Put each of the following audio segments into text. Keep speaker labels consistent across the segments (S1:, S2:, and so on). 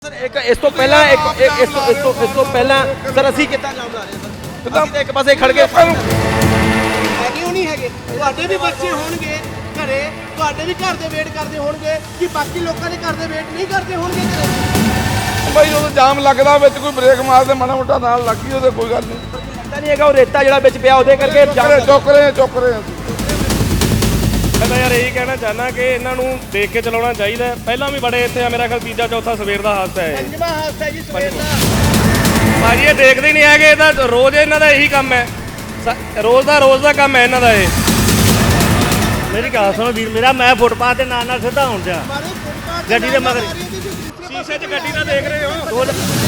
S1: Sir एक इस तो पहला इस तो पहला सर ਅਸੀਂ ਕਿੱਦਾਂ ਜਾਮ ਲਾ ਰਹੇ ਸਰ ਅਸੀਂ ਤਾਂ ਇੱਕ ਪਾਸੇ ਖੜ ਕੇ
S2: ਕਿਉਂ ਨਹੀਂ ਹੈਗੇ ਤੁਹਾਡੇ ਵੀ ਬੱਚੇ ਹੋਣਗੇ ਘਰੇ ਤੁਹਾਡੇ ਵੀ ਘਰ ਦੇ ਵੇਟ ਕਰਦੇ ਹੋਣਗੇ ਕਿ ਬਾਕੀ ਲੋਕਾਂ ਦੇ ਘਰ ਦੇ ਵੇਟ ਨਹੀਂ ਕਰਦੇ ਹੋਣਗੇ ਘਰੇ
S3: ਭਾਈ ਜਦੋਂ ਜਾਮ ਲੱਗਦਾ ਵਿੱਚ ਕੋਈ ਬ੍ਰੇਕ ਮਾਰਦੇ ਮਾੜਾ ਮੋਟਾ ਨਾਲ ਲੱਗੀ ਉਹਦੇ ਕੋਈ ਗੱਲ ਨਹੀਂ
S1: ਲੱਗਦਾ ਨਹੀਂ ਹੈਗਾ ਉਹ ਰੇਤਾ ਜਿਹੜਾ ਵਿੱਚ ਪਿਆ ਉਹਦੇ ਕਰਕੇ ਜਾਮ
S3: ਚੁੱਕ ਰਹੇ ਅਸੀਂ
S4: मैं तो यार यही कहना चाहना कि इन्हों देख के चलाना चाहिए। पहला भी बड़े इतने मेरा ख्याल तीजा चौथा सवेर का हादसा है
S2: ਪੰਜਵਾਂ ਹਾਦਸਾ ਜੀ ਸਵੇਰ ਦਾ
S4: भाजी ये देखते ही नहीं है कि इहदा रोज़ इन्हों का यही काम है रोज़ का काम है इन्हों का ये
S5: मेरी गल सुनो वीर मेरा मैं फुटपाथ के नाल सीधा होण जा ਗੱਡੀ ਦੇ ਮਗਰ
S4: शीशे च गड्डी ना देख रहे हो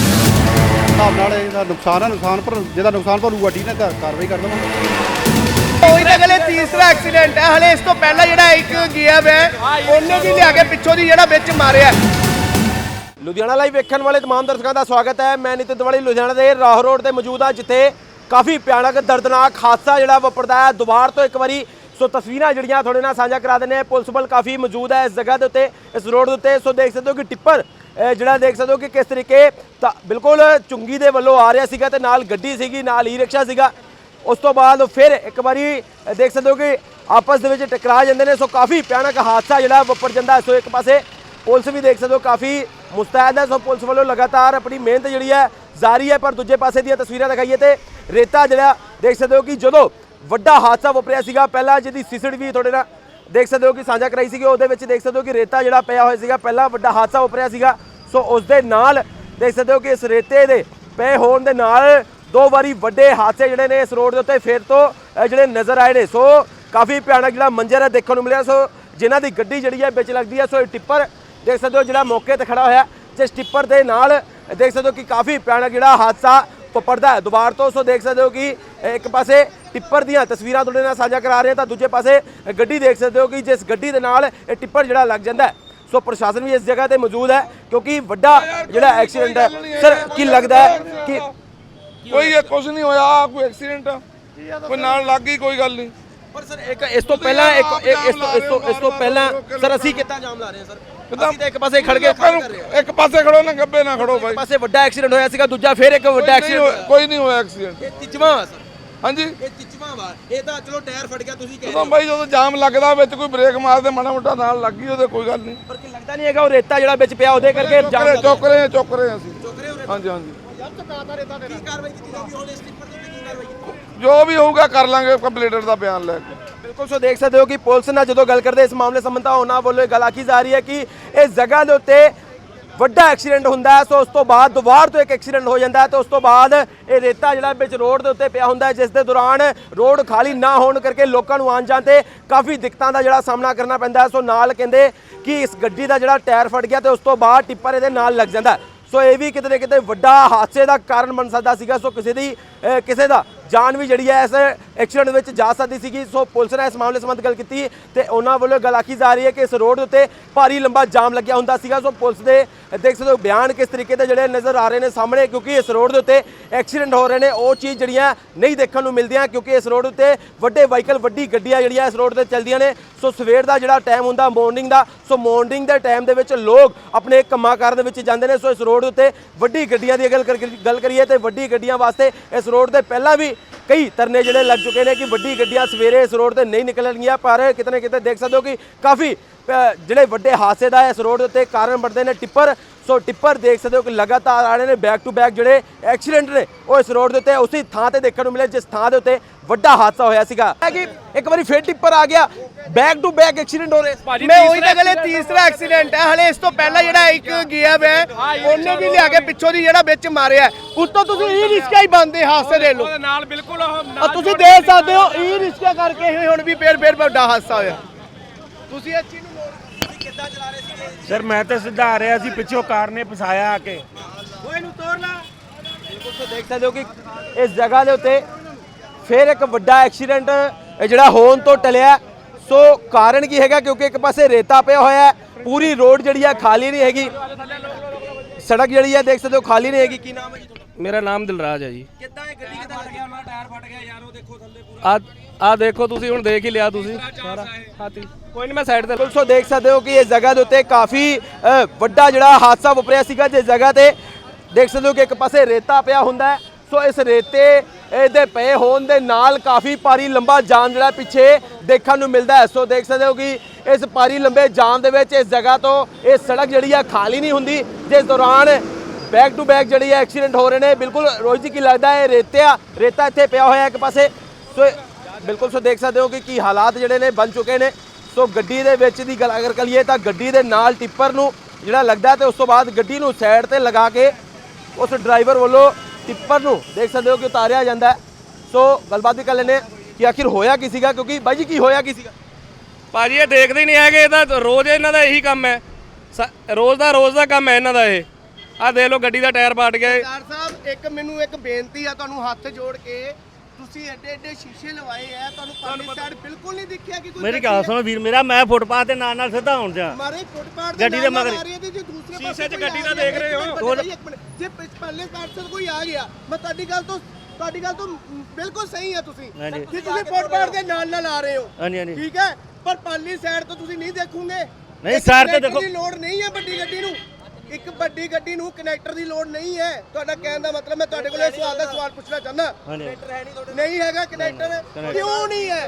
S6: ਹਿਸਾਬ ਨਾਲ ਇਹਦਾ ਨੁਕਸਾਨ ਹੈ ਨੁਕਸਾਨ ਪਰ ਜਿਹਦਾ ਨੁਕਸਾਨ ਭਰੂ ਗੱਡੀ ਨੇ ਕਾਰਵਾਈ ਕਰ ਦੇਵਾਂਗੇ
S2: ਉਹੀ ਤਾਂ ਗਲੇ ਤੀਸਰਾ ਐਕਸੀਡੈਂਟ ਹੈ ਹਲੇ ਇਸ ਤੋਂ ਪਹਿਲਾਂ ਜਿਹੜਾ ਇੱਕ ਗਿਆ ਵੇ ਉਹਨੇ ਵੀ ਲਿਆ ਕੇ ਪਿੱਛੋਂ ਦੀ ਜਿਹੜਾ ਵਿੱਚ ਮਾਰਿਆ
S1: ਲੁਧਿਆਣਾ ਲਾਈਵ ਵੇਖਣ ਵਾਲੇ तमाम ਦਰਸ਼ਕਾਂ ਦਾ ਸਵਾਗਤ ਹੈ। ਮੈਂ ਨਿਤਿਨ ਤਿਵਾੜੀ ਲੁਧਿਆਣਾ ਦੇ ਰਾਹ ਰੋਡ ਤੇ ਮੌਜੂਦ ਹਾਂ ਜਿੱਥੇ ਕਾਫੀ ਭਿਆਨਕ ਦਰਦਨਾਕ ਹਾਦਸਾ ਜਿਹੜਾ ਵਾਪਰਦਾ ਹੈ। ਦੁਬਾਰ ਤੋਂ ਇੱਕ ਵਾਰੀ ਸੋ ਤਸਵੀਰਾਂ ਜਿਹੜੀਆਂ ਤੁਹਾਡੇ ਨਾਲ ਸਾਂਝਾ ਕਰਾ ਦਿੰਦੇ ਹਾਂ। ਪੁਲਿਸ ਬਲ ਕਾਫੀ ਮੌਜੂਦ ਹੈ ਇਸ ਜਗ੍ਹਾ ਦੇ ਉੱਤੇ ਇਸ ਰੋਡ ਦੇ ਉੱਤੇ। ਸੋ ਦੇਖ ਸਕਦੇ ਹੋ ਕਿ ਟਿੱਪਰ ਜਿਹੜਾ ਦੇਖ ਸਕਦੇ ਹੋ ਕਿ ਕਿਸ ਤਰੀਕੇ ਤਾਂ ਬਿਲਕੁਲ ਚੁੰਗੀ ਦੇ ਵੱਲੋਂ ਆ ਰਿਹਾ ਸੀਗਾ ਤੇ ਨਾਲ ਗੱਡੀ ਸੀਗੀ ਨਾਲ ਈ ਰਿਕਸ਼ਾ ਸੀਗਾ। ਉਸ ਤੋਂ ਬਾਅਦ ਫਿਰ ਇੱਕ ਵਾਰੀ ਦੇਖ ਸਕਦੇ ਹੋ ਕਿ ਆਪਸ ਦੇ ਵਿੱਚ ਟਕਰਾ ਜਾਂਦੇ ਨੇ। ਸੋ ਕਾਫੀ ਭਿਆਨਕ ਹਾਦਸਾ ਜਿਹੜਾ ਵਾਪਰ ਜਾਂਦਾ। ਸੋ ਇੱਕ ਪਾਸੇ ਪੁਲਿਸ ਵੀ ਦੇਖ ਸਕਦੇ ਹੋ ਕਾਫੀ ਮੁਸਤੈਦ ਹੈ। ਸੋ ਪੁਲਿਸ ਵੱਲੋਂ ਲਗਾਤਾਰ ਆਪਣੀ ਮਿਹਨਤ ਜਿਹੜੀ ਹੈ ਜਾਰੀ ਹੈ। ਪਰ ਦੂਜੇ ਪਾਸੇ ਦੀਆਂ ਤਸਵੀਰਾਂ ਦਿਖਾਈਏ ਤੇ ਰੇਤਾ ਜਿਹੜਾ ਦੇਖ ਸਕਦੇ ਹੋ ਕਿ ਜਦੋਂ ਵੱਡਾ ਹਾਦਸਾ ਵਾਪਰਿਆ ਸੀਗਾ ਪਹਿਲਾਂ ਜਿਹਦੀ ਸੀਸੀਟੀਵੀ ਤੁਹਾਡੇ ਨਾਲ ਦੇਖ ਸਕਦੇ ਹੋ ਕਿ ਸਾਂਝਾ ਕਰਾਈ ਸੀਗੀ ਉਹਦੇ ਵਿੱਚ ਦੇਖ ਸਕਦੇ ਹੋ ਕਿ ਰੇਤਾ ਜਿਹੜਾ ਪਿਆ ਹੋਇਆ ਸੀਗਾ ਪਹਿਲਾਂ ਵੱਡਾ ਹਾਦਸਾ ਵਾਪਰਿਆ ਸੀਗਾ। ਸੋ ਉਸ ਦੇ ਨਾਲ ਦੇਖ ਸਕਦੇ ਹੋ ਕਿ ਇਸ ਰੇਤੇ ਦੇ ਪਏ ਹੋਣ ਦੇ ਨਾਲ ਦੋ ਵਾਰੀ ਵੱਡੇ ਹਾਦਸੇ ਜਿਹੜੇ ਨੇ ਇਸ ਰੋਡ ਦੇ ਉੱਤੇ ਫਿਰ ਤੋਂ ਜਿਹੜੇ ਨਜ਼ਰ ਆਏ ਨੇ। ਸੋ ਕਾਫੀ ਭਿਆਨਕ ਜਿਹੜਾ ਮੰਜ਼ਰ ਹੈ ਦੇਖਣ ਨੂੰ ਮਿਲਿਆ। ਸੋ ਜਿਨ੍ਹਾਂ ਦੀ ਗੱਡੀ ਜਿਹੜੀ ਹੈ ਵਿੱਚ ਲੱਗਦੀ ਹੈ। ਸੋ ਇਹ ਟਿੱਪਰ ਦੇਖ ਸਕਦੇ ਹੋ ਜਿਹੜਾ ਮੌਕੇ ਤੇ ਖੜਾ ਹੋਇਆ ਜਿਸ ਟਿੱਪਰ ਦੇ ਨਾਲ ਦੇਖ ਸਕਦੇ ਹੋ ਕਿ ਕਾਫੀ ਭਿਆਨਕ ਜਿਹੜਾ ਹਾਦਸਾ ਵਾਪਰਦਾ ਹੈ ਦੁਬਾਰ ਤੋਂ। ਸੋ ਦੇਖ ਸਕਦੇ ਹੋ ਕਿ ਇੱਕ ਪਾਸੇ ਟਿੱਪਰ ਦੀਆਂ ਤਸਵੀਰਾਂ ਤੁਹਾਡੇ ਨਾਲ ਸਾਂਝਾ ਕਰਾ ਰਹੇ ਹਾਂ ਤਾਂ ਦੂਜੇ ਪਾਸੇ ਗੱਡੀ ਦੇਖ ਸਕਦੇ ਹੋ ਕਿ ਜਿਸ ਗੱਡੀ ਦੇ ਨਾਲ ਇਹ ਟਿੱਪਰ ਜਿਹੜਾ ਲੱਗ ਜਾਂਦਾ ਹੈ। ਸੋ ਪ੍ਰਸ਼ਾਸਨ ਵੀ ਇਸ ਜਗ੍ਹਾ ਤੇ ਮੌਜੂਦ ਹੈ ਕਿਉਂਕਿ ਵੱਡਾ ਜਿਹੜਾ ਐਕਸੀਡੈਂਟ ਹੈ। ਸਰ ਕੀ ਲੱਗਦਾ ਹੈ ਕਿ
S3: ਕੋਈ ਇਹ ਕੁਝ ਨਹੀਂ ਹੋਇਆ ਕੋਈ ਐਕਸੀਡੈਂਟ ਕੋਈ ਨਾਲ ਲੱਗ ਗਈ ਕੋਈ ਗੱਲ ਨਹੀਂ
S1: ਪਰ ਸਰ ਇੱਕ ਇਸ ਤੋਂ ਪਹਿਲਾਂ ਇਸ ਤੋਂ ਪਹਿਲਾਂ ਸਰ ਅਸੀਂ ਕਿੱਦਾਂ ਜਾਮ ਲਾ ਰਹੇ ਹਾਂ ਸਰ ਅਸੀਂ ਤਾਂ ਇੱਕ ਪਾਸੇ ਖੜ ਕੇ
S3: ਇੱਕ ਪਾਸੇ ਖੜੋ ਨਾ ਗੱਬੇ ਨਾ ਖੜੋ ਭਾਈ
S1: ਪਾਸੇ ਵੱਡਾ ਐਕਸੀਡੈਂਟ ਹੋਇਆ ਸੀਗਾ ਦੂਜਾ ਫਿਰ ਇੱਕ ਵੱਡਾ ਐਕਸੀਡੈਂਟ
S3: ਕੋਈ ਨਹੀਂ ਹੋਇਆ ਐਕਸੀਡੈਂਟ
S1: ਇਹ ਤਿੱਚਵਾਂ ਵਾ ਸਰ
S3: ਹਾਂਜੀ
S1: ਇਹ ਤਿੱਚਵਾਂ ਵਾ ਇਹ ਤਾਂ ਚਲੋ ਟਾਇਰ ਫਟ ਗਿਆ ਤੁਸੀਂ ਕਹਿ ਰਹੇ
S3: ਜਦੋਂ
S1: ਹੋ
S3: ਭਾਈ ਜਦੋਂ ਜਾਮ ਲੱਗਦਾ ਵਿੱਚ ਕੋਈ ਬ੍ਰੇਕ ਮਾਰਦੇ ਮਾੜਾ ਮੋਟਾ ਨਾਲ ਲੱਗੀ ਉਹਦੇ ਕੋਈ ਗੱਲ ਨਹੀਂ
S1: ਪਰ ਕੀ ਲੱਗਦਾ ਨਹੀਂ ਹੈਗਾ ਉਹ ਰੇਤਾ ਜਿਹੜਾ ਵਿੱਚ ਪਿਆ ਉਹਦੇ ਕਰਕੇ ਜਾਮ
S3: ਚੁੱਕ ਰਹੇ ਅਸੀਂ ਹਾਂਜੀ
S1: ਕੀ ਕਾਰਵਾਈ ਕੀਤੀ ਜਾਊਗੀ ਹੁਣ ਇਸ ਟਿੱਪਰ ਦੇ ਉੱਤੇ ਕੀ ਕਾਰਵਾਈ ਕੀਤੀ
S3: ਜੋ ਵੀ ਹੋਊਗਾ ਕਰ ਲਾਂਗੇ ਕੰਪਲੀਟਰ ਦਾ ਬਿਆਨ ਲੈ ਕੇ
S1: ਬਿਲਕੁਲ। ਸੋ ਦੇਖ ਸਕਦੇ ਹੋ ਕਿ ਪੁਲਿਸ ਨਾਲ ਜਦੋਂ ਗੱਲ ਕਰਦੇ ਇਸ ਮਾਮਲੇ ਸੰਬੰਧਾ ਉਹਨਾਂ ਵੱਲੋਂ ਇਹ ਗੱਲ ਆਖੀ ਜਾ ਰਹੀ ਹੈ ਕਿ ਇਸ ਜਗ੍ਹਾ ਦੇ ਉੱਤੇ ਵੱਡਾ ਐਕਸੀਡੈਂਟ ਹੁੰਦਾ ਹੈ। ਸੋ ਉਸ ਤੋਂ ਬਾਅਦ ਦੁਬਾਰ ਤੋਂ ਇੱਕ ਐਕਸੀਡੈਂਟ ਹੋ ਜਾਂਦਾ ਹੈ ਤੇ ਉਸ ਤੋਂ ਬਾਅਦ ਇਹ ਰੇਤਾ ਜਿਹੜਾ ਵਿੱਚ ਰੋਡ ਦੇ ਉੱਤੇ ਪਿਆ ਹੁੰਦਾ ਹੈ ਜਿਸ ਦੇ ਦੌਰਾਨ ਰੋਡ ਖਾਲੀ ਨਾ ਹੋਣ ਕਰਕੇ ਲੋਕਾਂ ਨੂੰ ਆਉਣ ਜਾਣ ਤੇ ਕਾਫੀ ਦਿੱਕਤਾਂ ਦਾ ਜਿਹੜਾ ਸਾਹਮਣਾ ਕਰਨਾ ਪੈਂਦਾ ਹੈ। ਸੋ ਨਾਲ ਕਹਿੰਦੇ ਕਿ ਇਸ ਗੱਡੀ ਦਾ ਜਿਹੜਾ ਟਾਇਰ ਫਟ ਗਿਆ ਤੇ ਉਸ ਤੋਂ ਬਾਅਦ ਟਿੱਪਰ ਇਹਦੇ ਨਾਲ ਲੱਗ ਜਾਂਦਾ। ਸੋ ਇਹ ਵੀ ਕਿਤੇ ਨਾ ਕਿਤੇ ਵੱਡਾ ਹਾਦਸੇ ਦਾ ਕਾਰਨ ਬਣ ਸਕਦਾ ਸੀਗਾ। ਸੋ ਕਿਸੇ ਦਾ ਜਾਨ ਵੀ ਜਿਹੜੀ ਹੈ ਇਸ ਐਕਸੀਡੈਂਟ ਵਿੱਚ ਜਾ ਸਕਦੀ ਸੀਗੀ। ਸੋ ਪੁਲਿਸ ਨੇ ਇਸ ਮਾਮਲੇ ਸੰਬੰਧ ਗੱਲ ਕੀਤੀ ਤੇ ਉਹਨਾਂ ਵੱਲੋਂ ਗੱਲ ਆਖੀ ਜਾ ਰਹੀ ਹੈ ਕਿ ਇਸ ਰੋਡ ਉੱਤੇ ਭਾਰੀ ਲੰਬਾ ਜਾਮ ਲੱਗਿਆ ਹੁੰਦਾ ਸੀਗਾ। ਸੋ ਪੁਲਿਸ ਦੇ ਦੇਖ ਸਕਦੇ ਹੋ ਬਿਆਨ ਕਿਸ ਤਰੀਕੇ ਦੇ ਜਿਹੜੇ ਨਜ਼ਰ ਆ ਰਹੇ ਨੇ ਸਾਹਮਣੇ ਕਿਉਂਕਿ ਇਸ ਰੋਡ ਦੇ ਉੱਤੇ ਐਕਸੀਡੈਂਟ ਹੋ ਰਹੇ ਨੇ ਉਹ ਚੀਜ਼ ਜਿਹੜੀਆਂ ਨਹੀਂ ਦੇਖਣ ਨੂੰ ਮਿਲਦੀਆਂ ਕਿਉਂਕਿ ਇਸ ਰੋਡ ਉੱਤੇ ਵੱਡੇ ਵਾਹੀਕਲ ਵੱਡੀ ਗੱਡੀਆਂ ਜਿਹੜੀਆਂ ਇਸ ਰੋਡ ਤੇ ਚੱਲਦੀਆਂ ਨੇ। ਸੋ ਸਵੇਰ ਦਾ ਜਿਹੜਾ ਟਾਈਮ ਹੁੰਦਾ ਮਾਰਨਿੰਗ ਦਾ ਸੋ ਮਾਰਨਿੰਗ ਦੇ ਟਾਈਮ ਦੇ ਵਿੱਚ ਲੋਕ ਆਪਣੇ ਕੰਮਾਂ ਕਾਰ ਦੇ ਵਿੱਚ ਜਾਂਦੇ ਨੇ। ਸੋ ਇਸ ਰੋਡ ਉੱਤੇ ਵੱਡੀ ਗੱਡੀਆਂ ਦੀ ਗੱਲ ਕਰੀਏ ਤੇ ਵੱਡੀ ਗੱਡੀਆਂ ਵਾਸਤੇ ਇਸ ਰੋਡ ਤੇ ਪਹਿਲਾਂ ਵੀ ਕਈ ਧਰਨੇ ਜਿਹੜੇ ਲੱਗ ਚੁੱਕੇ ਨੇ ਕਿ ਵੱਡੀ ਗੱਡੀਆਂ ਸਵੇਰੇ ਇਸ ਰੋਡ ਤੇ ਨਹੀਂ ਨਿਕਲਣਗੀਆਂ। ਪਰ ਕਿਤੇ ਨਾ ਕਿਤੇ ਦੇਖ ਸਕਦੇ ਹੋ ਕਿ ਕਾਫੀ ਜਿਹੜੇ ਵੱਡੇ ਹਾਦਸੇ ਦਾ ਇਸ ਰੋਡ ਉੱਤੇ ਕਾਰਨ ਬਣਦੇ ਨੇ ਟਿੱਪਰ। ਸੋ ਟਿੱਪਰ ਦੇਖ ਸਕਦੇ ਹੋ ਕਿ ਲਗਾਤਾਰ ਆ ਰਹੇ ਨੇ ਬੈਕ ਟੂ ਬੈਕ ਜਿਹੜੇ ਐਕਸੀਡੈਂਟ ਨੇ ਉਹ ਇਸ ਰੋਡ ਦੇ ਉੱਤੇ ਉਸੇ ਥਾਂ ਤੇ ਦੇਖਣ ਨੂੰ ਮਿਲੇ ਜਿਸ ਥਾਂ ਦੇ ਉੱਤੇ ਵੱਡਾ ਹਾਦਸਾ ਹੋਇਆ ਸੀਗਾ ਕਿ ਇੱਕ ਵਾਰੀ ਫਿਰ ਟਿੱਪਰ ਆ ਗਿਆ ਬੈਕ ਟੂ ਬੈਕ ਐਕਸੀਡੈਂਟ ਹੋ ਰਹੇ।
S2: ਮੈਂ ਉਹੀ ਤਾਂ ਗਲੇ ਤੀਸਰਾ ਐਕਸੀਡੈਂਟ ਹੈ ਹਲੇ ਇਸ ਤੋਂ ਪਹਿਲਾਂ ਜਿਹੜਾ ਇੱਕ ਗਿਆ ਵੇ ਉਹਨੇ ਵੀ ਲਿਆ ਕੇ ਪਿੱਛੋਂ ਦੀ ਜਿਹੜਾ ਵਿੱਚ ਮਾਰਿਆ ਉੱਤੋਂ ਤੁਸੀਂ ਈ ਰਿਕਸ਼ਾ ਹੀ ਬੰਦੇ ਹਾਦਸੇ ਦੇ ਲੋ
S4: ਨਾਲ ਬਿਲਕੁਲ
S2: ਤੁਸੀਂ ਦੇਖ ਸਕਦੇ ਹੋ ਈ ਰਿਕਸ਼ਾ ਕਰਕੇ ਹੀ ਹੁਣ ਵੀ ਫੇਰ ਵੱਡਾ ਹਾਦਸਾ ਹੋਇਆ। ਤੁਸੀਂ ਇਸ ਚੀਜ਼ ਨੂੰ ਕਿੱਦਾਂ ਚਲਾ ਰਹੇ ਸੀਗੇ
S5: ਸਰ ਮੈਂ ਤਾਂ ਸਿੱਧਾ ਆ ਰਿਹਾ ਸੀ ਪਿੱਛੋਂ ਕਾਰ ਨੇ ਫਸਾਇਆ ਆ ਕੇ
S2: ਓਏ ਨੂੰ ਤੋੜ ਲਾ।
S1: ਬਿਲਕੁਲ ਦੇਖ ਸਕਦੇ ਹੋ ਕਿ ਇਸ ਜਗ੍ਹਾ ਦੇ ਉੱਤੇ ਫਿਰ ਇੱਕ ਵੱਡਾ ਐਕਸੀਡੈਂਟ ਜਿਹੜਾ ਹੋਣ ਤੋਂ ਟਲਿਆ। ਸੋ ਕਾਰਨ ਕੀ ਹੈਗਾ ਕਿਉਂਕਿ ਇੱਕ ਪਾਸੇ ਰੇਤਾ ਪਿਆ ਹੋਇਆ ਹੈ ਪੂਰੀ ਰੋਡ ਜਿਹੜੀ ਹੈ ਖਾਲੀ ਨਹੀਂ ਹੈਗੀ ਸੜਕ ਜਿਹੜੀ ਹੈ ਦੇਖ ਸਕਦੇ ਹੋ ਖਾਲੀ ਨਹੀਂ ਹੈਗੀ। ਕੀ ਨਾਮ ਹੈ ਜੀ ਤੁਹਾਡਾ?
S4: मेरा नाम दिलराज है जी।
S1: ਕਿੱਦਾਂ ਇਹ ਗੱਡੀ ਕਿੱਦਾਂ ਲੱਗਿਆ ਉਹਨਾਂ ਟਾਇਰ ਫਟ ਗਿਆ ਯਾਰ ਉਹ ਦੇਖੋ ਥੱਲੇ ਪੂਰਾ
S4: ਆ ਦੇਖੋ ਤੁਸੀਂ ਹੁਣ ਦੇਖ ਹੀ ਲਿਆ ਤੁਸੀਂ ਸਾਰਾ ਹਾਥੀ ਕੋਈ ਨਹੀਂ ਮੈਂ ਸਾਈਡ ਤੇ
S1: ਸੋ ਦੇਖ ਸਕਦੇ ਹੋ ਕਿ ਇਸ ਜਗ੍ਹਾ ਦੇ ਉੱਤੇ ਕਾਫੀ ਵੱਡਾ ਜਿਹੜਾ ਹਾਦਸਾ ਵਾਪਰਿਆ ਸੀਗਾ ਜਿਸ ਜਗ੍ਹਾ ਤੇ ਦੇਖ ਸਕਦੇ ਹੋ ਕਿ ਇੱਕ ਪਾਸੇ ਰੇਤਾ ਪਿਆ ਹੁੰਦਾ ਹੈ। ਸੋ ਇਸ ਰੇਤੇ ਦੇ ਪਏ ਹੋਣ ਦੇ ਨਾਲ ਕਾਫੀ ਭਾਰੀ ਲੰਬਾ ਜਾਮ ਜਿਹੜਾ ਪਿੱਛੇ ਦੇਖਣ ਨੂੰ ਮਿਲਦਾ ਹੈ। ਸੋ ਦੇਖ ਸਕਦੇ ਹੋ ਕਿ ਇਸ ਭਾਰੀ ਲੰਬੇ ਜਾਮ ਦੇ ਵਿੱਚ ਇਸ ਜਗ੍ਹਾ ਤੋਂ ਇਹ ਸੜਕ ਜਿਹੜੀ ਆ ਖਾਲੀ ਨਹੀਂ ਹੁੰਦੀ, ਜਿਸ ਦੌਰਾਨ ਬੈਕ ਟੂ ਬੈਕ ਜਿਹੜੀ ਹੈ ਐਕਸੀਡੈਂਟ ਹੋ ਰਹੇ ਨੇ। ਬਿਲਕੁਲ ਰੋਜ਼ ਕੀ ਲੱਗਦਾ ਹੈ ਰੇਤਾ ਇੱਥੇ ਪਿਆ ਹੋਇਆ ਇੱਕ ਪਾਸੇ। ਸੋ ਬਿਲਕੁਲ ਸੋ ਦੇਖ ਸਕਦੇ ਹੋ ਕਿ ਕੀ ਹਾਲਾਤ ਜਿਹੜੇ ਨੇ ਬਣ ਚੁੱਕੇ ਨੇ। ਸੋ ਗੱਡੀ ਦੇ ਵਿੱਚ ਦੀ ਗੱਲ ਅਗਰ ਕਰੀਏ ਤਾਂ ਗੱਡੀ ਦੇ ਨਾਲ ਟਿੱਪਰ ਨੂੰ ਜਿਹੜਾ ਲੱਗਦਾ ਤੇ ਉਸ ਤੋਂ ਬਾਅਦ ਗੱਡੀ ਨੂੰ ਸਾਈਡ ਤੇ ਲਗਾ ਕੇ ਉਸ ਡਰਾਈਵਰ ਵੱਲੋਂ ਟਿੱਪਰ ਨੂੰ ਦੇਖ ਸਕਦੇ ਹੋ ਕਿ ਉਤਾਰਿਆ ਜਾਂਦਾ ਹੈ। ਸੋ ਗੱਲਬਾਤ ਵੀ ਕਰ ਲੈਂਦੇ ਕਿ ਆਖਿਰ ਹੋਇਆ ਕੀ ਸੀਗਾ, ਕਿਉਂਕਿ ਬਾਈ ਜੀ ਕੀ ਹੋਇਆ ਕੀ ਸੀਗਾ?
S4: ਭਾਜੀ ਇਹ ਦੇਖਦੇ ਹੀ ਨਹੀਂ ਹੈਗੇ, ਇਹ ਤਾਂ ਰੋਜ਼ ਇਹਨਾਂ ਦਾ ਇਹੀ ਕੰਮ ਹੈ, ਰੋਜ਼ ਦਾ ਕੰਮ ਹੈ ਇਹਨਾਂ ਦਾ। ਇਹ ਆਹ ਦੇਖ ਲਓ ਗੱਡੀ ਦਾ ਟਾਇਰ ਪਾਟ ਗਿਆ।
S2: ਸਰਦਾਰ ਸਾਹਿਬ ਮੈਨੂੰ ਇੱਕ ਬੇਨਤੀ ਆ ਤੁਹਾਨੂੰ ਹੱਥ ਜੋੜ ਕੇ, ਤੁਸੀਂ ਐਡੇ ਸ਼ੀਸ਼ੇ ਲਵਾਏ ਆ, ਤੁਹਾਨੂੰ ਪਾਰਲੀ ਸਾਈਡ ਬਿਲਕੁਲ ਨਹੀਂ ਦਿਖਿਆ ਕਿ ਕੋਈ
S5: ਮੇਰੀ ਗੱਲ ਸੁਣੋ ਵੀਰ ਮੇਰਾ, ਮੈਂ ਫੁੱਟਪਾਥ ਦੇ ਨਾਲ ਸਿੱਧਾ ਆਉਣ ਜਾ
S2: ਮਾਰੇ ਫੁੱਟਪਾਥ
S5: ਗੱਡੀ ਦੇ ਮਗਰ
S4: ਸ਼ੀਸ਼ੇ 'ਚ ਗੱਡੀ ਦਾ ਦੇਖ ਰਹੇ ਹੋ।
S2: ਜੇ ਪਰਲੇ ਪਾਸੇ ਕੋਈ ਆ ਗਿਆ, ਮੈਂ ਤੁਹਾਡੀ ਗੱਲ ਤੋਂ ਬਿਲਕੁਲ ਸਹੀ ਆ ਤੁਸੀਂ ਕਿ ਤੁਸੀਂ ਫੁੱਟਪਾਥ ਦੇ ਨਾਲ ਆ ਰਹੇ ਹੋ।
S5: ਹਾਂਜੀ
S2: ਠੀਕ ਹੈ, ਪਰ ਪਾਰਲੀ ਸਾਈਡ ਤੋਂ ਤੁਸੀਂ ਨਹੀਂ ਦੇਖੋਗੇ।
S5: ਨਹੀਂ ਸਾਈਡ ਤੇ ਦੇਖੋ,
S2: ਦੀ ਲੋੜ ਨਹੀਂ ਹੈ ਵੱਡੀ ਗੱਡੀ ਨੂੰ, ਇੱਕ ਵੱਡੀ ਗੱਡੀ ਨੂੰ ਕਨੈਕਟਰ ਦੀ ਲੋੜ ਨਹੀਂ ਹੈ। ਤੁਹਾਡਾ ਕਹਿਣ ਦਾ ਮਤਲਬ ਮੈਂ ਤੁਹਾਡੇ ਕੋਲ ਇਹ ਸਵਾਲ ਪੁੱਛਣਾ ਚਾਹੁੰਦਾ। ਨਹੀਂ ਹੈਗਾ ਕਨੈਕਟਰ, ਕਿਉਂ ਨਹੀਂ ਹੈ?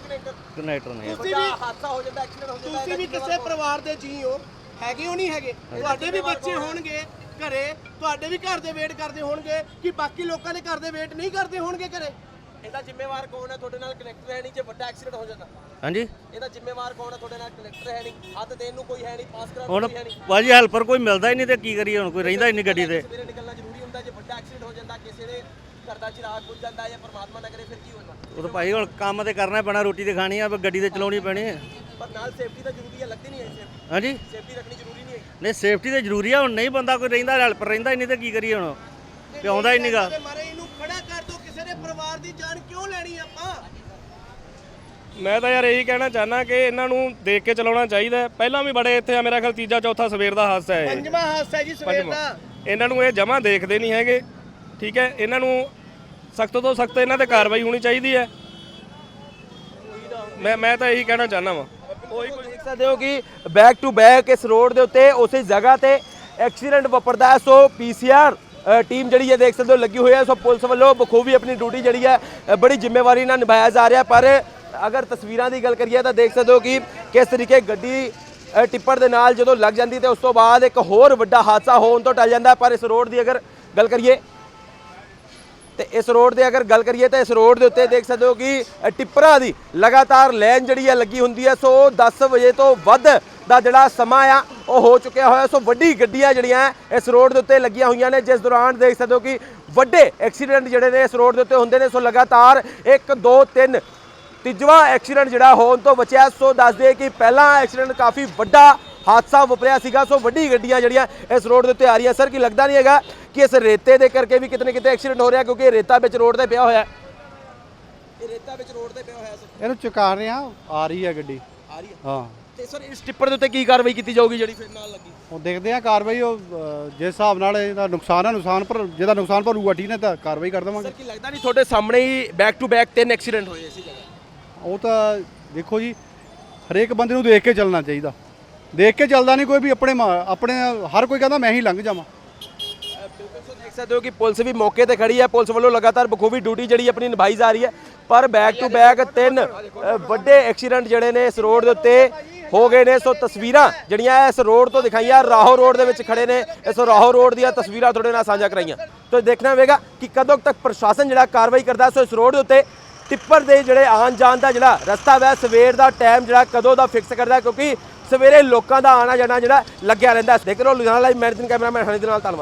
S5: ਕਨੈਕਟਰ ਨਹੀਂ
S2: ਤੁਸੀਂ ਵੀ ਹਾਦਸਾ ਹੋ ਜਾਂਦਾ, ਐਕਸੀਡੈਂਟ ਹੋ ਜਾਂਦਾ, ਤੁਸੀਂ ਵੀ ਕਿਸੇ ਪਰਿਵਾਰ ਦੇ ਜੀ ਹੋ, ਹੈਗੇ ਹੋ ਨਹੀਂ ਹੈਗੇ? ਤੁਹਾਡੇ ਵੀ ਬੱਚੇ ਹੋਣਗੇ ਘਰੇ, ਤੁਹਾਡੇ ਵੀ ਘਰ ਦੇ ਵੇਟ ਕਰਦੇ ਹੋਣਗੇ ਕਿ ਬਾਕੀ ਲੋਕਾਂ ਦੇ ਘਰ ਦੇ ਵੇਟ ਨਹੀਂ ਕਰਦੇ ਹੋਣਗੇ ਘਰੇ। ਇਹਦਾ ਜ਼ਿੰਮੇਵਾਰ ਕੌਣ ਹੈ? ਤੁਹਾਡੇ ਨਾਲ ਕਨੈਕਟਰ ਹੈ ਨਹੀਂ, ਜੇ ਵੱਡਾ ਐਕਸੀਡੈਂਟ ਹੋ ਜਾਂਦਾ।
S5: ਹਾਂਜੀ
S2: ਇਹਦਾ ਜ਼ਿੰਮੇਵਾਰ ਕੌਣ ਹੈ? ਤੁਹਾਡੇ ਨਾਲ ਕਨੈਕਟਰ ਹੈ ਨਹੀਂ, ਹੱਥ ਦੇਣ ਨੂੰ ਕੋਈ ਹੈ ਨਹੀਂ, ਪਾਸ ਕਰਾਉਣ
S5: ਹੁਣ
S2: ਕੋਈ ਹੈ ਨਹੀਂ।
S5: ਭਾਜੀ ਹੈਲਪਰ ਕੋਈ ਮਿਲਦਾ ਹੀ ਨਹੀਂ ਤੇ ਕੀ ਕਰੀਏ, ਹੁਣ ਕੋਈ ਰਹਿੰਦਾ ਹੀ ਨਹੀਂ ਗੱਡੀ ਤੇ।
S2: ਸਵੇਰੇ ਨਿਕਲਣਾ ਜ਼ਰੂਰੀ ਹੁੰਦਾ, ਜੇ ਵੱਡਾ ਐਕਸੀਡੈਂਟ ਹੋ ਜਾਂਦਾ, ਕਿਸੇ ਦੇ ਘਰ ਦਾ ਚਿਰਾਗ ਬੁੱਝ ਜਾਂਦਾ ਜਾਂ ਪਰਮਾਤਮਾ ਨਾ ਕਰੇ ਫਿਰ ਕੀ ਹੋਣਾ?
S5: ਉਹ ਤਾਂ ਭਾਈ ਹੁਣ ਕੰਮ ਤੇ ਕਰਨਾ ਪੈਣਾ, ਰੋਟੀ ਤੇ ਖਾਣੀ ਆ, ਗੱਡੀ ਤੇ ਚਲਾਉਣੀ ਪੈਣੀ ਹੈ।
S2: ਪਰ ਨਾਲ ਸੇਫਟੀ ਤਾਂ ਜ਼ਰੂਰੀ ਹੈ, ਲੱਗਦੀ ਨਹੀਂ ਹੈ ਸੇਫਟੀ?
S5: ਹਾਂਜੀ
S2: ਸੇਫਟੀ ਰੱਖਣੀ ਜ਼ਰੂਰੀ ਨਹੀਂ ਹੈ?
S5: ਨਹੀਂ ਸੇਫਟੀ ਤੇ ਜ਼ਰੂਰੀ ਆ, ਹੁਣ ਨਹੀਂ ਬੰਦਾ ਕੋਈ ਰਹਿੰਦਾ, ਹੈਲਪਰ ਰਹਿੰਦਾ ਹੀ ਨਹੀਂ ਤੇ ਕੀ ਕਰੀਏ ਹੁਣ, ਤੇ ਆਉਂਦਾ ਹੀ ਨਹੀਂਗਾ।
S2: ਮਾਰੇ ਇਹਨੂੰ ਖੜਾ ਕਰ ਦੋ, ਕਿਸੇ ਦੇ ਪਰਿਵਾਰ ਦੀ ਜਾਨ ਕਿਉਂ ਲੈਣੀ ਆਪਾਂ?
S4: ਮੈਂ ਤਾਂ ਯਾਰ ਇਹੀ ਕਹਿਣਾ ਚਾਹਨਾ ਕਿ ਇਹਨਾਂ ਨੂੰ ਦੇਖ ਕੇ ਚਲਾਉਣਾ ਚਾਹੀਦਾ। ਪਹਿਲਾਂ ਵੀ ਬੜੇ ਇੱਥੇ ਆ, ਮੇਰਾ ਖਿਆਲ ਤੀਜਾ ਚੌਥਾ ਸਵੇਰ ਦਾ ਹਾਦਸਾ ਹੈ ਇਹ।
S2: ਪੰਜਵਾਂ ਹਾਦਸਾ ਜੀ ਸਵੇਰ ਦਾ। ਇਹਨਾਂ
S4: ਨੂੰ ਇਹ ਜਮਾਂ ਦੇਖਦੇ ਨਹੀਂ ਹੈਗੇ। ਠੀਕ ਹੈ, ਇਹਨਾਂ ਨੂੰ ਸਖਤ ਤੋਂ ਸਖਤ ਇਹਨਾਂ ਤੇ ਕਾਰਵਾਈ ਹੋਣੀ ਚਾਹੀਦੀ ਹੈ। ਮੈਂ ਤਾਂ ਇਹੀ ਕਹਿਣਾ ਚਾਹਨਾ ਵਾਂ।
S1: ਦੇਖ ਸਕਦੇ ਹੋ ਕਿ ਬੈਕ ਟੂ ਬੈਕ ਇਸ ਰੋਡ ਦੇ ਉੱਤੇ ਉਸੇ ਜਗ੍ਹਾ ਤੇ ਐਕਸੀਡੈਂਟ ਵਾਪਰਦਾ ਹੈ। ਸੋ ਪੀਸੀਆਰ ਟੀਮ ਜਿਹੜੀ ਹੈ ਦੇਖ ਸਕਦੇ ਹੋ ਲੱਗੀ ਹੋਈ ਹੈ। ਸੋ ਪੁਲਿਸ ਵੱਲੋਂ ਬਖੂਬੀ ਆਪਣੀ ਡਿਊਟੀ ਜਿਹੜੀ ਹੈ ਬੜੀ ਜ਼ਿੰਮੇਵਾਰੀ ਨਾਲ ਨਿਭਾਇਆ ਜਾ ਰਿਹਾ। ਪਰ ਅਗਰ ਤਸਵੀਰਾਂ ਦੀ ਗੱਲ ਕਰੀਏ ਤਾਂ ਦੇਖ ਸਕਦੇ ਹੋ ਕਿ ਕਿਸ ਤਰੀਕੇ ਗੱਡੀ ਟਿੱਪਰ ਦੇ ਨਾਲ ਜਦੋਂ ਲੱਗ ਜਾਂਦੀ ਤੇ ਉਸ ਤੋਂ ਬਾਅਦ ਇੱਕ ਹੋਰ ਵੱਡਾ ਹਾਦਸਾ ਹੋਣ ਤੋਂ ਟਲ ਜਾਂਦਾ। ਪਰ ਇਸ ਰੋਡ ਦੀ ਅਗਰ ਗੱਲ ਕਰੀਏ ਤੇ ਇਸ ਰੋਡ ਦੇ ਉੱਤੇ ਦੇਖ ਸਕਦੇ ਹੋ ਕਿ ਟਿੱਪਰਾਂ ਦੀ ਲਗਾਤਾਰ ਲਾਈਨ ਜਿਹੜੀ ਹੈ ਲੱਗੀ ਹੁੰਦੀ ਹੈ। ਸੋ 10 ਵਜੇ ਤੋਂ ਵੱਧ ਦਾ ਜਿਹੜਾ ਸਮਾਂ ਆ ਉਹ ਹੋ ਚੁੱਕਿਆ ਹੋਇਆ। ਸੋ ਵੱਡੀ ਗੱਡੀਆਂ ਜਿਹੜੀਆਂ ਇਸ ਰੋਡ ਦੇ ਉੱਤੇ ਲੱਗੀਆਂ ਹੋਈਆਂ ਨੇ, ਜਿਸ ਦੌਰਾਨ ਦੇਖ ਸਕਦੇ ਹੋ ਕਿ ਵੱਡੇ ਐਕਸੀਡੈਂਟ ਜਿਹੜੇ ਨੇ ਇਸ ਰੋਡ ਦੇ ਉੱਤੇ ਹੁੰਦੇ ਨੇ। ਸੋ ਲਗਾਤਾਰ 1 2 3 ਤੀਜਵਾਂ ਐਕਸੀਡੈਂਟ ਜਿਹੜਾ ਹੋਣ ਤੋਂ ਬਚਿਆ। ਸੋ ਦੱਸਦੇ ਕਿ ਪਹਿਲਾ ਐਕਸੀਡੈਂਟ ਕਾਫੀ ਵੱਡਾ ਹਾਦਸਾ ਵਾਪਰਿਆ ਸੀਗਾ। ਸੋ ਵੱਡੀ ਗੱਡੀਆਂ ਜਿਹੜੀਆਂ ਇਸ ਰੋਡ ਦੇ ਉੱਤੇ ਆ ਰਹੀਆਂ। ਸਰ ਕੀ ਲੱਗਦਾ ਨਹੀਂ ਹੈਗਾ ਕਿ ਇਸ ਰੇਤੇ ਦੇ ਕਰਕੇ ਵੀ ਕਿਤੇ ਨਾ ਕਿਤੇ ਐਕਸੀਡੈਂਟ ਹੋ ਰਿਹਾ, ਕਿਉਂਕਿ ਇਹ ਰੇਤਾ ਵਿੱਚ ਰੋਡ ਤੇ ਪਿਆ ਹੋਇਆ? ਇਹ ਰੇਤਾ ਵਿੱਚ ਰੋਡ ਤੇ ਪਿਆ ਹੋਇਆ ਸਰ।
S6: ਇਹਨੂੰ ਚੁਕਾ ਰਹੇ ਆ, ਆ ਰਹੀ ਹੈ ਗੱਡੀ।
S1: ਆ ਰਹੀ ਹੈ
S6: ਹਾਂ,
S1: ਤੇ ਸਰ ਇਸ ਟਿੱਪਰ ਦੇ ਉੱਤੇ ਕੀ ਕਾਰਵਾਈ ਕੀਤੀ ਜਾਊਗੀ ਜਿਹੜੀ ਫਿਰ ਨਾਲ ਲੱਗੀ?
S6: ਉਹ ਦੇਖਦੇ ਆ ਕਾਰਵਾਈ, ਉਹ ਜਿਸ ਹਿਸਾਬ ਨਾਲ ਇਹਦਾ ਨੁਕਸਾਨ ਪਰ ਜਿਹਦਾ ਨੁਕਸਾਨ ਭਰੂਗਾ ਟੀ ਨੇ ਤਾਂ ਕਾਰਵਾਈ ਕਰ ਦੇਵਾਂਗੇ।
S1: ਸਰ ਕੀ ਲੱਗਦਾ ਨਹੀਂ ਤੁਹਾਡੇ ਸਾਹਮਣੇ ਹੀ ਬੈਕ ਟੂ ਬੈਕ 3 ਐਕਸੀਡੈਂਟ ਹੋਏ ਇਸੇ ਜਗ੍ਹਾ?
S6: ਉਹ ਤਾਂ ਦੇਖੋ ਜੀ, ਹਰੇਕ ਬੰਦੇ ਨੂੰ ਦੇਖ ਕੇ ਚੱਲਣਾ ਚਾਹੀਦਾ। ਦੇਖ ਕੇ ਚੱਲਦਾ ਨਹੀਂ ਕੋਈ ਵੀ, ਆਪਣੇ ਹਰ ਕੋਈ ਕਹਿੰਦਾ ਮੈਂ ਹੀ ਲੰਘ ਜਾਵਾਂ।
S1: ਦੇਖ ਸਕਦੇ ਹੋ ਕਿ ਪੁਲਿਸ ਵੀ ਮੌਕੇ ਤੇ ਖੜੀ ਹੈ। ਪੁਲਿਸ ਵੱਲੋਂ ਲਗਾਤਾਰ ਬਖੂਬੀ ਡਿਊਟੀ ਜਿਹੜੀ ਆਪਣੀ ਨਿਭਾਈ ਜਾ ਰਹੀ ਹੈ। ਪਰ ਬੈਕ ਟੂ ਬੈਕ 3 ਵੱਡੇ ਐਕਸੀਡੈਂਟ ਜਿਹੜੇ ਨੇ ਇਸ ਰੋਡ ਦੇ ਉੱਤੇ ਹੋ ਗਏ ਨੇ। ਸੋ ਤਸਵੀਰਾਂ ਜਿਹੜੀਆਂ ਇਸ ਰੋਡ ਤੋਂ ਦਿਖਾਈਆਂ, ਰਾਹੋਂ ਰੋਡ ਦੇ ਵਿੱਚ ਖੜੇ ਨੇ। ਇਸ ਰਾਹੋਂ ਰੋਡ ਦੀਆਂ ਤਸਵੀਰਾਂ ਤੁਹਾਡੇ ਨਾਲ ਸਾਂਝਾ ਕਰਾਈਆਂ। ਤੋ ਦੇਖਣਾ ਹੋਵੇਗਾ ਕਿ ਕਦੋਂ ਤੱਕ ਪ੍ਰਸ਼ਾਸਨ ਜਿਹੜਾ ਕਾਰਵਾਈ ਕਰਦਾ। ਸੋ ਇਸ ਰੋਡ ਦੇ ਉੱਤੇ ਟਿੱਪਰ ਦੇ ਜਿਹੜੇ ਆਉਣ ਜਾਣ ਦਾ ਜਿਹੜਾ ਰਸਤਾ ਹੈ, ਸਵੇਰ ਦਾ ਟਾਈਮ ਜਿਹੜਾ ਕਦੋਂ ਦਾ ਫਿਕਸ ਕਰਦਾ, ਕਿਉਂਕਿ ਸਵੇਰੇ ਲੋਕਾਂ ਦਾ ਆਣਾ ਜਾਣਾ ਜਿਹੜਾ ਲੱਗਿਆ ਰਹਿੰਦਾ। ਦੇਖ ਰਹੇ ਹੋ ਲੁਧਿਆਣਾ ਲਾਈਵ, ਮੈਂ ਕੈਮਰਾਮੈਨ ਹਨੀ ਦੇ ਨਾਲ। ਧੰਨਵਾਦ।